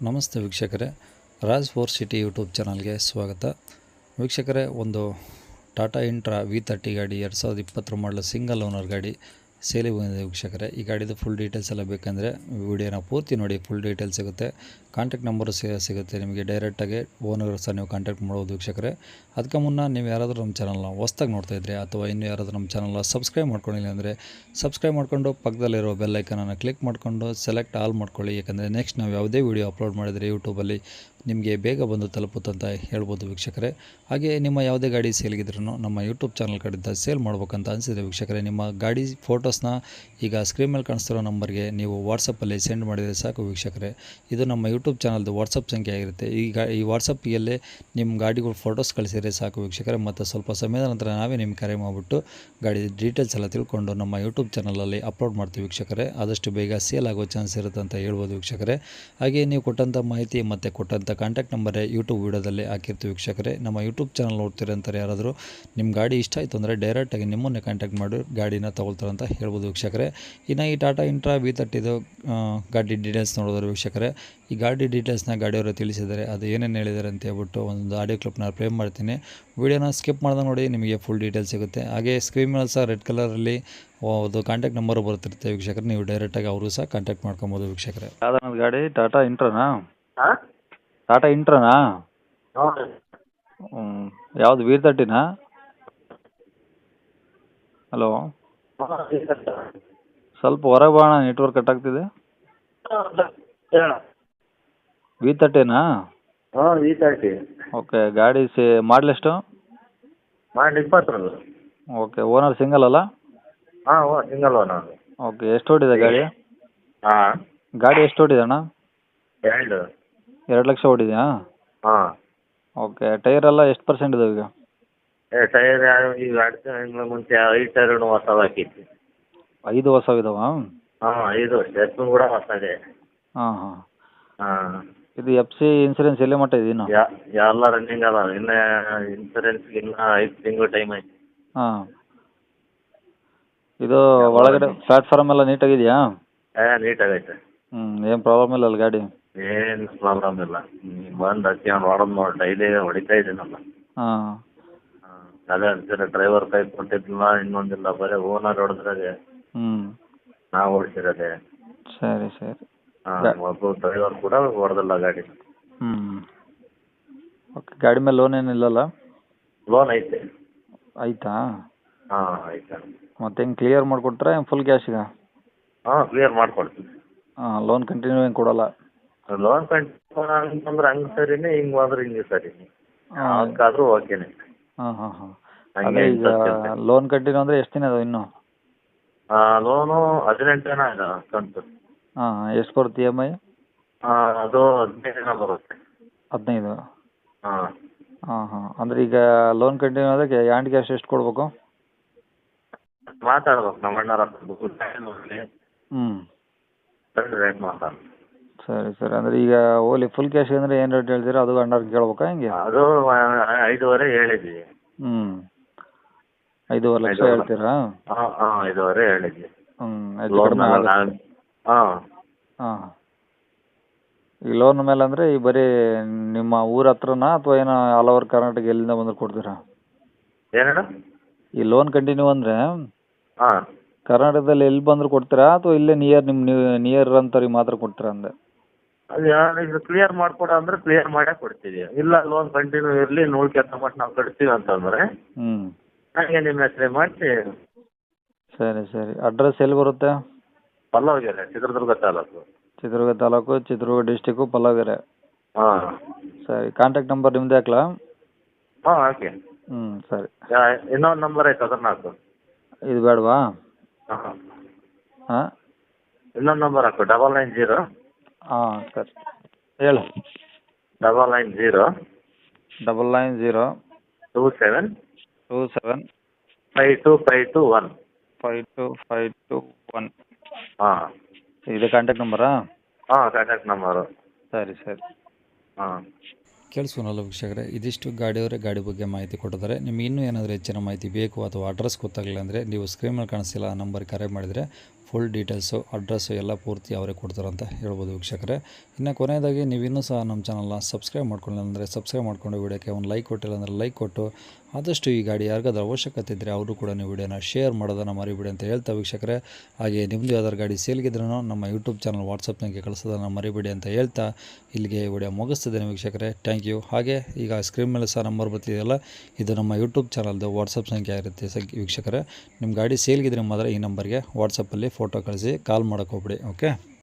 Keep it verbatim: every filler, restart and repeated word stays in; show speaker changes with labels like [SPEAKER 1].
[SPEAKER 1] ನಮಸ್ತೆ ವೀಕ್ಷಕರೇ, Raj four city YouTube ಚಾನಲ್ಗೆ ಸ್ವಾಗತ. ವೀಕ್ಷಕರೇ, ಒಂದು ಟಾಟಾ ಇಂಟ್ರಾ ವಿ ತರ್ಟಿ ಗಾಡಿ ಎರಡು ಸಾವಿರದ ಇಪ್ಪತ್ತರ ಮಾಡಲು ಸಿಂಗಲ್ ಓನರ್ ಗಾಡಿ ಸೇಲಿಗೆ ಬಂದಿದೆ. ವೀಕ್ಷಕರೇ, ಈ ಗಾಡಿದು ಫುಲ್ ಡೀಟೇಲ್ಸ್ ಎಲ್ಲ ಬೇಕಂದರೆ ವಿಡಿಯೋನ ಪೂರ್ತಿ ನೋಡಿ, ಫುಲ್ ಡೀಟೇಲ್ಸ್ ಸಿಗುತ್ತೆ. ಕಾಂಟ್ಯಾಕ್ಟ್ ನಂಬರು ಸಿಗುತ್ತೆ ನಿಮಗೆ, ಡೈರೆಕ್ಟಾಗಿ ಓನರ್ ಸಹ ನೀವು ಕಾಂಟ್ಯಾಕ್ಟ್ ಮಾಡ್ಬೋದು. ವೀಕ್ಷಕರೇ, ಅದಕ್ಕೆ ಮುನ್ನ ನೀವು ಯಾರಾದರೂ ನಮ್ಮ ಚಾನಲ್ನ ಹೊಸ್ದಾಗಿ ನೋಡ್ತಾ ಇದ್ದರೆ ಅಥವಾ ಇನ್ನೂ ಯಾರಾದರೂ ನಮ್ಮ ಚಾನಲ್ನ ಸಬ್ಸ್ಕ್ರೈಬ್ ಮಾಡ್ಕೊಂಡಿಲ್ಲ ಅಂದರೆ ಸಬ್ಸ್ಕ್ರೈಬ್ ಮಾಡ್ಕೊಂಡು ಪಕ್ಕದಲ್ಲಿರೋ ಬೆಲ್ ಐಕನನ್ನು ಕ್ಲಿಕ್ ಮಾಡಿಕೊಂಡು ಸೆಲೆಕ್ಟ್ ಆಲ್ ಮಾಡ್ಕೊಳ್ಳಿ. ಯಾಕಂದರೆ ನೆಕ್ಸ್ಟ್ ನಾವು ಯಾವುದೇ ವೀಡಿಯೋ ಅಪ್ಲೋಡ್ ಮಾಡಿದರೆ ಯೂಟ್ಯೂಬಲ್ಲಿ ನಿಮಗೆ ಬೇಗ ಬಂದು ತಲುಪುತ್ತಂತ ಹೇಳ್ಬೋದು ವೀಕ್ಷಕರೇ. ಹಾಗೆ ನಿಮ್ಮ ಯಾವುದೇ ಗಾಡಿ ಸೇಲ್ಗಿದ್ರೂ ನಮ್ಮ ಯೂಟ್ಯೂಬ್ ಚಾನಲ್ ಕಡೆಯಿಂದ ಸೇಲ್ ಮಾಡ್ಬೇಕಂತ ಅನಿಸಿದರೆ ವೀಕ್ಷಕರೇ, ನಿಮ್ಮ ಗಾಡಿ ಫೋಟೋಸ್ನ ಈಗ ಸ್ಕ್ರೀನ್ ಮೇಲೆ ಕಾಣಿಸ್ತಿರೋ ನಂಬರ್ಗೆ ನೀವು ವಾಟ್ಸಪ್ಪಲ್ಲಿ ಸೆಂಡ್ ಮಾಡಿದರೆ ಸಾಕು ವೀಕ್ಷಕರೇ. ಇದು ನಮ್ಮ ಯೂಟ್ಯೂಬ್ ಚಾನಲ್ದು ವಾಟ್ಸಪ್ ಸಂಖ್ಯೆ ಆಗಿರುತ್ತೆ. ಈಗ ಈ ವಾಟ್ಸಪ್ಪಿಗೆ ನಿಮ್ಮ ಗಾಡಿಗಳು ಫೋಟೋಸ್ ಕಳಿಸಿದರೆ ಸಾಕು ವೀಕ್ಷಕರೇ. ಮತ್ತು ಸ್ವಲ್ಪ ಸಮಯದ ನಂತರ ನಾವೇ ನಿಮ್ಗೆ ಕರೆ ಮಾಡಿಬಿಟ್ಟು ಗಾಡಿ ಡೀಟೇಲ್ಸ್ ಎಲ್ಲ ತಿಳ್ಕೊಂಡು ನಮ್ಮ ಯೂಟ್ಯೂಬ್ ಚಾನಲಲ್ಲಿ ಅಪ್ಲೋಡ್ ಮಾಡ್ತೀವಿ ವೀಕ್ಷಕರೇ. ಆದಷ್ಟು ಬೇಗ ಸೇಲ್ ಆಗೋ ಚಾನ್ಸ್ ಇರುತ್ತೆ ಅಂತ ಹೇಳ್ಬೋದು ವೀಕ್ಷಕರೇ. ಹಾಗೆ ನೀವು ಕೊಟ್ಟಂಥ ಮಾಹಿತಿ ಮತ್ತು ಕೊಟ್ಟಂಥ ಕಾಂಟ್ಯಾಕ್ಟ್ ನಂಬರೇ ಯೂಟ್ಯೂಬ್ ವೀಡಿಯೋದಲ್ಲಿ ಹಾಕಿರ್ತೀವಿ ವೀಕ್ಷಕರೇ. ನಮ್ಮ ಯೂಟ್ಯೂಬ್ ಚಾನಲ್ ನೋಡ್ತೀರಂತಾರೆ ಯಾರಾದರೂ ನಿಮ್ಮ ಗಾಡಿ ಇಷ್ಟ ಆಯಿತು ಅಂದರೆ ಡೈರೆಕ್ಟಾಗಿ ನಿಮ್ಮನ್ನೇ ಕಾಂಟ್ಯಾಕ್ಟ್ ಮಾಡಿ ಗಾಡಿನ ತೊಗೊಳ್ತಾರೆ ಅಂತ ಹೇಳ್ಬೋದು ವೀಕ್ಷಕರೇ. ಇನ್ನು ಈ ಟಾಟಾ ಇಂಟ್ರಾ ವಿ ತರ್ಟಿದು ಗಾಡಿ ಡೀಟೇಲ್ಸ್ ನೋಡಿದ್ರೆ ವೀಕ್ಷಕರೇ, ಈ ಗಾಡಿ ಡೀಟೇಲ್ಸ್ನ ಗಾಡಿಯವರು ತಿಳಿಸಿದ್ದಾರೆ. ಅದು ಏನೇನು ಹೇಳಿದ್ದಾರೆ ಅಂತ ಹೇಳ್ಬಿಟ್ಟು ಒಂದು ಆಡಿಯೋ ಕ್ಲಿಪ್ನ ಪ್ಲೇ ಮಾಡ್ತೀನಿ. ವೀಡಿಯೋನ ಸ್ಕಿಪ್ ಮಾಡಿದ ನೋಡಿ, ನಿಮಗೆ ಫುಲ್ ಡೀಟೇಲ್ಸ್ ಸಿಗುತ್ತೆ. ಹಾಗೆ ಸ್ಕ್ರೀನ್ ಮೇಲೆ ಸಹ ರೆಡ್ ಕಲರಲ್ಲಿ ಅದು ಕಾಂಟ್ಯಾಕ್ಟ್ ನಂಬರು ಬರ್ತಿರುತ್ತೆ ವೀಕ್ಷಕರೇ. ನೀವು ಡೈರೆಕ್ಟಾಗಿ ಅವರು ಸಹ ಕಾಂಟ್ಯಾಕ್ಟ್ ಮಾಡ್ಕೊಬೋದು ವೀಕ್ಷಕರೇ. ಯಾವ್ದು ಗಾಡಿ ಟಾಟಾ ಇಂಟ್ರಾನಾ? ಟಾಟಾ ಇಂಟ್ರಾನಾ? ಹ್ಞೂ, ಯಾವುದು ವಿ ತರ್ಟಿನಾ? ಹಲೋ, ಸ್ವಲ್ಪ ಹೊರಗೆ ಬಾಣ, ನೆಟ್ವರ್ಕ್ ಕಟ್ ಆಗ್ತಿದೆ. ವಿ ತರ್ಟಿನಾ?
[SPEAKER 2] ಹಾಂ, ವಿ ತರ್ಟಿ.
[SPEAKER 1] ಓಕೆ, ಗಾಡಿ ಸೇ ಮಾಡಲ್ ಎಷ್ಟು?
[SPEAKER 2] ಮಾಡಲ್ ಇಪ್ಪತ್ತರದ್ದು.
[SPEAKER 1] ಓಕೆ, ಓನರ್ ಸಿಂಗಲ್ ಅಲ್ಲ?
[SPEAKER 2] ಹಾಂ, ಓ ಸಿಂಗಲ್ ಓನರ್.
[SPEAKER 1] ಓಕೆ, ಎಷ್ಟು ಓಡಿದೆ ಗಾಡಿ?
[SPEAKER 2] ಹಾಂ,
[SPEAKER 1] ಗಾಡಿ ಎಷ್ಟು ಓಡಿದೆ ಅಣ್ಣ?
[SPEAKER 2] ಎರಡು
[SPEAKER 1] ಎರಡು ಲಕ್ಷ ಓಡಿದೆಯಾ?
[SPEAKER 2] ಹಾಂ.
[SPEAKER 1] ಓಕೆ, ಟೈರ್ ಎಲ್ಲ ಎಷ್ಟು ಪರ್ಸೆಂಟ್ ಇದಾವೆ ಈಗ?
[SPEAKER 2] ಏ ಟೈರ್ ಈಗ ಎರಡು ತಿಂಗಳ ಮುಂಚೆ ಐದು ಟೈರ್ನು ಹೊಸದು ಹಾಕಿದ್ವಿ.
[SPEAKER 1] ಐದು ಹೊಸವಿದಾವ?
[SPEAKER 2] ಹಾಂ, ಐದು ಸ್ಟೆಪ್ನು ಕೂಡ ಹೊಸದೇ.
[SPEAKER 1] ಹಾಂ ಹಾಂ.
[SPEAKER 2] ಹಾಂ,
[SPEAKER 1] ಇದು ಎಫ್ ಸಿ ಇನ್ಸೂರೆನ್ಸ್ ಎಲ್ಲಿ ಮಟ್ಟ ಇದೆ ಇನ್ನು?
[SPEAKER 2] ಯಾ ಎಲ್ಲ ರನ್ನಿಂಗ್ ಅದ. ಇನ್ನು ಇನ್ಸೂರೆನ್ಸ್ಗೆ ಇನ್ನೂ ಐದು ತಿಂಗಳು ಟೈಮ್ ಐತಿ.
[SPEAKER 1] ಹಾಂ, ಇದು ಒಳಗಡೆ ಪ್ಲಾಟ್ಫಾರ್ಮ್ ಎಲ್ಲ ನೀಟಾಗಿದೆಯಾ?
[SPEAKER 2] ಏ ನೀಟಾಗೈತೆ.
[SPEAKER 1] ಹ್ಞೂ, ಏನು ಪ್ರಾಬ್ಲಮ್ ಇಲ್ಲ ಅಲ್ಲ ಗಾಡಿ?
[SPEAKER 2] ಏನು ಪ್ರಾಬ್ಲಮ್ ಇಲ್ಲ. ನೀವು ಬಂದು ಹಚ್ಕೊಂಡು ಹೊಡೆದು ನೋಡಿ, ಡೈಲಿ ಹೊಡಿತಾ ಇದ್ದೀನಲ್ಲ.
[SPEAKER 1] ಹಾಂ
[SPEAKER 2] ಹಾಂ, ಅದೇ ಅಂತೀರ ಡ್ರೈವರ್ ಕೈ ಕೊಟ್ಟಿದ್ದಿಲ್ಲ, ಇನ್ನೊಂದಿಲ್ಲ, ಬರೀ ಓನರ್ ಹೊಡೆದ್ರಾಗೆ
[SPEAKER 1] ಹ್ಞೂ.
[SPEAKER 2] ನಾವು ಓಡಿಸಿರೋದೆ.
[SPEAKER 1] ಸರಿ ಸರಿ.
[SPEAKER 2] ಹಾಂ, ಒಬ್ಬ ಡ್ರೈವರ್ ಕೂಡ ಹೊಡೆದಿಲ್ಲ ಗಾಡಿ.
[SPEAKER 1] ಹ್ಞೂ. ಓಕೆ, ಗಾಡಿ ಮೇಲೆ ಲೋನ್ ಏನಿಲ್ಲಲ್ಲ?
[SPEAKER 2] ಲೋನ್ ಐತೆ.
[SPEAKER 1] ಆಯಿತಾ?
[SPEAKER 2] ಹಾಂ, ಆಯ್ತು.
[SPEAKER 1] ಮತ್ತೆ ಹೆಂಗೆ ಕ್ಲಿಯರ್ ಮಾಡಿಕೊಟ್ರೆ ಫುಲ್ ಕ್ಯಾಶಿಗ?
[SPEAKER 2] ಹಾಂ, ಕ್ಲಿಯರ್ ಮಾಡ್ಕೊಡ್ತೀನಿ.
[SPEAKER 1] ಹಾಂ, ಲೋನ್ ಕಂಟಿನ್ಯೂ ಏನು ಕೊಡೋಲ್ಲ?
[SPEAKER 2] ಲೋನ್ ಕಂಟಿನ್ಯೂ ಅಂತಂದ್ರೆ ಹಂಗೆ ಸರಿನೇ, ಹಿಂಗೆ ಹೋದ್ರೆ ಹಿಂಗೆ ಸರಿನೇ. ಅದಕ್ಕಾದ್ರೂ ಓಕೆನೆ.
[SPEAKER 1] ಹಾಂ ಹಾಂ ಹಾಂ.
[SPEAKER 2] ಹಂಗೆ
[SPEAKER 1] ಅದೇ ಈಗ ಲೋನ್ ಕಂಟಿನ್ಯೂ ಅಂದರೆ ಎಷ್ಟು ದಿನ ಅದಾವೆ ಇನ್ನು?
[SPEAKER 2] ಲೋನು ಹದಿನೆಂಟು ದಿನ ಇದೆ ಕಂತು.
[SPEAKER 1] ಹಾಂ, ಎಷ್ಟು ಬರುತ್ತೆ ಇ ಎಮ್ ಐ?
[SPEAKER 2] ಅದು ಹದಿನೈದು ದಿನ ಬರುತ್ತೆ.
[SPEAKER 1] ಹದಿನೈದು?
[SPEAKER 2] ಹಾಂ
[SPEAKER 1] ಹಾಂ ಹಾಂ. ಅಂದರೆ ಈಗ ಲೋನ್ ಕಂಟಿನ್ಯೂ ಅದಕ್ಕೆ ಹ್ಯಾಂಡ್ ಕ್ಯಾಶ್ ಎಷ್ಟು ಕೊಡಬೇಕು?
[SPEAKER 2] ಮಾತಾಡ್ಬೇಕು ನಮ್ಮ ಅಣ್ಣರ ಹತ್ರ ನೋಡಲಿ.
[SPEAKER 1] ಹ್ಞೂ,
[SPEAKER 2] ರೇಟ್ ಮಾತಾಡ.
[SPEAKER 1] ಸರಿ ಸರಿ. ಅಂದರೆ ಈಗ ಓಲಿ ಫುಲ್ ಕ್ಯಾಶ್ ಅಂದರೆ ಏನು ರೇಟ್ ಹೇಳ್ತೀರಾ? ಅದು ಅಣ್ಣವ್ರಿಗೆ ಕೇಳ್ಬೇಕಾ ಹೆಂಗೆ?
[SPEAKER 2] ಅದು ಐದೂವರೆ ಹೇಳಿದ್ವಿ.
[SPEAKER 1] ಹ್ಞೂ, ಐದೂವರೆ ಲಕ್ಷ ಹೇಳ್ತೀರಾ?
[SPEAKER 2] ಹಾಂ ಹಾಂ, ಐದೂವರೆ ಹೇಳಿದ್ವಿ.
[SPEAKER 1] ಹ್ಞೂ, ಹೆಚ್ಚು ಕಡಿಮೆ ಆಗುತ್ತೆ.
[SPEAKER 2] ಹಾಂ
[SPEAKER 1] ಹಾಂ, ಈ ಲೋನ್ ಮೇಲೆ ಅಂದರೆ ಈ ಬರೀ ನಿಮ್ಮ ಊರ ಹತ್ರನಾ ಅಥವಾ ಏನೋ ಆಲ್ ಓವರ್ ಕರ್ನಾಟಕ ಎಲ್ಲಿಂದ ಬಂದರೂ ಕೊಡ್ತೀರಾ?
[SPEAKER 2] ಏನೇನು?
[SPEAKER 1] ಈ ಲೋನ್ ಕಂಟಿನ್ಯೂ ಅಂದರೆ
[SPEAKER 2] ಹಾಂ,
[SPEAKER 1] ಕರ್ನಾಟಕದಲ್ಲಿ ಎಲ್ಲಿ ಬಂದರೂ ಕೊಡ್ತೀರಾ ಅಥವಾ ಇಲ್ಲೇ ನಿಯರ್ ನಿಮ್ಮ ನೀವು ನಿಯರ್ ಅಂತವ್ರಿಗೆ ಮಾತ್ರ ಕೊಡ್ತೀರಾ ಅಂದೆ?
[SPEAKER 2] ಅದು ಯಾರು ಕ್ಲಿಯರ್ ಮಾಡಿಕೊಡ ಅಂದರೆ ಕ್ಲಿಯರ್ ಮಾಡೇ ಕೊಡ್ತೀವಿ. ಇಲ್ಲ ಲೋನ್ ಕಂಟಿನ್ಯೂ ಇರಲಿ, ನೋಡ್ಕೊಂತ ಮಟ್ಟ ನಾವು ಕಟ್ತೀವಿ ಅಂತಂದರೆ
[SPEAKER 1] ಹ್ಞೂ,
[SPEAKER 2] ಹಾಗೆ ನಿಮ್ಮ ಹೆಸರೇ ಮಾಡಿಸಿ.
[SPEAKER 1] ಸರಿ ಸರಿ. ಅಡ್ರೆಸ್ ಎಲ್ಲಿ ಬರುತ್ತೆ?
[SPEAKER 2] ಪಲ್ಲವಗೆರೆ, ಚಿತ್ರದುರ್ಗ ತಾಲೂಕು.
[SPEAKER 1] ಚಿತ್ರದುರ್ಗ ತಾಲೂಕು, ಚಿತ್ರದುರ್ಗ ಡಿಸ್ಟಿಕ್ಕು, ಪಲ್ಲವಗೆರೆ.
[SPEAKER 2] ಹಾಂ
[SPEAKER 1] ಸರಿ. ಕಾಂಟ್ಯಾಕ್ಟ್ ನಂಬರ್ ನಿಮ್ಮದೇ ಹಾಕ್ಲಾ?
[SPEAKER 2] ಹಾಂ, ಓಕೆ.
[SPEAKER 1] ಹ್ಞೂ, ಸರಿ.
[SPEAKER 2] ಇನ್ನೊಂದು ನಂಬರ್ ಐತೆ, ಅದನ್ನ ಹಾಕು.
[SPEAKER 1] ಇದು ಬೇಡವಾ?
[SPEAKER 2] ಹಾಂ,
[SPEAKER 1] ಹಾಂ,
[SPEAKER 2] ಇನ್ನೊಂದು ನಂಬರ್ ಹಾಕು. ಡಬಲ್ ನೈನ್ ಜೀರೋ
[SPEAKER 1] ಹಾಂ, ಸರಿ ಹೇಳು.
[SPEAKER 2] Double nine zero
[SPEAKER 1] double nine zero
[SPEAKER 2] two seven
[SPEAKER 1] two seven
[SPEAKER 2] five two five two one
[SPEAKER 1] five two five two one.
[SPEAKER 2] ಹಾಂ,
[SPEAKER 1] ಇದು ಕಾಂಟ್ಯಾಕ್ಟ್ ನಂಬರಾ?
[SPEAKER 2] ಹಾಂ, ಕಾಂಟ್ಯಾಕ್ಟ್ ನಂಬರು.
[SPEAKER 1] ಸರಿ ಸರಿ.
[SPEAKER 2] ಹಾಂ,
[SPEAKER 1] ಕೇಳಿಸ್ಕೊನಲ್ಲ ವೀಕ್ಷಕರೇ, ಇದಿಷ್ಟು ಗಾಡಿಯವರೇ ಗಾಡಿ ಬಗ್ಗೆ ಮಾಹಿತಿ ಕೊಟ್ಟಿದ್ದಾರೆ. ನಿಮ್ಗೆ ಇನ್ನೂ ಏನಾದರೂ ಹೆಚ್ಚಿನ ಮಾಹಿತಿ ಬೇಕು ಅಥವಾ ಅಡ್ರೆಸ್ ಗೊತ್ತಾಗಲಿಲ್ಲ ಅಂದರೆ ನೀವು ಸ್ಕ್ರೀನ್ ಮೇಲೆ ಕಾಣಿಸ್ತಿಲ್ಲ ಆ ನಂಬರ್ಗೆ ಕರೆ ಮಾಡಿದರೆ ಫುಲ್ ಡೀಟೇಲ್ಸು ಅಡ್ರೆಸ್ಸು ಎಲ್ಲ ಪೂರ್ತಿ ಅವರೇ ಕೊಡ್ತಾರೆ ಅಂತ ಹೇಳ್ಬೋದು ವೀಕ್ಷಕರೇ. ಇನ್ನು ಕೊನೆಯದಾಗಿ ನೀವು ಇನ್ನೂ ಸಹ ನಮ್ಮ ಚಾನಲ್ನ ಸಬ್ಸ್ಕ್ರೈಬ್ ಮಾಡ್ಕೊಳ್ಳಿ ಅಂದರೆ ಸಬ್ಸ್ಕ್ರೈಬ್ ಮಾಡ್ಕೊಂಡು ವಿಡಿಯೋಕ್ಕೆ ಒಂದು ಲೈಕ್ ಕೊಟ್ಟಿಲ್ಲ ಅಂದರೆ ಲೈಕ್ ಕೊಟ್ಟು ಆದಷ್ಟು ಈ ಗಾಡಿ ಯಾರಿಗಾದ್ರೂ ಅವಶ್ಯಕತೆ ಇದ್ದರೆ ಅವರು ಕೂಡ ನೀವು ವಿಡಿಯೋನ ಶೇರ್ ಮಾಡೋದನ್ನು ಮರಿಬೇಡಿ ಅಂತ ಹೇಳ್ತಾ ವೀಕ್ಷಕರೇ. ಹಾಗೆ ನಿಮ್ಮದು ಯಾವ್ದಾದ್ರು ಗಾಡಿ ಸೇಲ್ಗಿದ್ರೂ ನಮ್ಮ ಯೂಟ್ಯೂಬ್ ಚಾನಲ್ ವಾಟ್ಸಪ್ನಾಗೆ ಕಳಿಸೋದನ್ನು ಮರಿಬೇಡಿ ಅಂತ ಹೇಳ್ತಾ ಇಲ್ಲಿಗೆ ವಿಡಿಯೋ ಮುಗಿಸ್ತಿದ್ದೇನೆ ವೀಕ್ಷಕರೇ. Thank you. ಹಾಗೆ ಈಗ ಸ್ಕ್ರೀನ್ ಮೇಲೆ ಸಹ ನಂಬರ್ ಬರ್ತಿದೆಯಲ್ಲ, ಇದು ನಮ್ಮ ಯೂಟ್ಯೂಬ್ ಚಾನಲ್ದು ವಾಟ್ಸಪ್ ಸಂಖ್ಯೆ ಆಗಿರುತ್ತೆ ಸಂಖ್ಯೆ ವೀಕ್ಷಕರೇ. ನಿಮ್ಮ ಗಾಡಿ ಸೇಲ್ಗಿದ್ರೆ ಮಾತ್ರ ಈ ನಂಬರ್ಗೆ ವಾಟ್ಸಪ್ಪಲ್ಲಿ ಫೋಟೋ ಕಳಿಸಿ ಕಾಲ್ ಮಾಡೋಕೆ ಹೋಗ್ಬಿಡಿ. ಓಕೆ.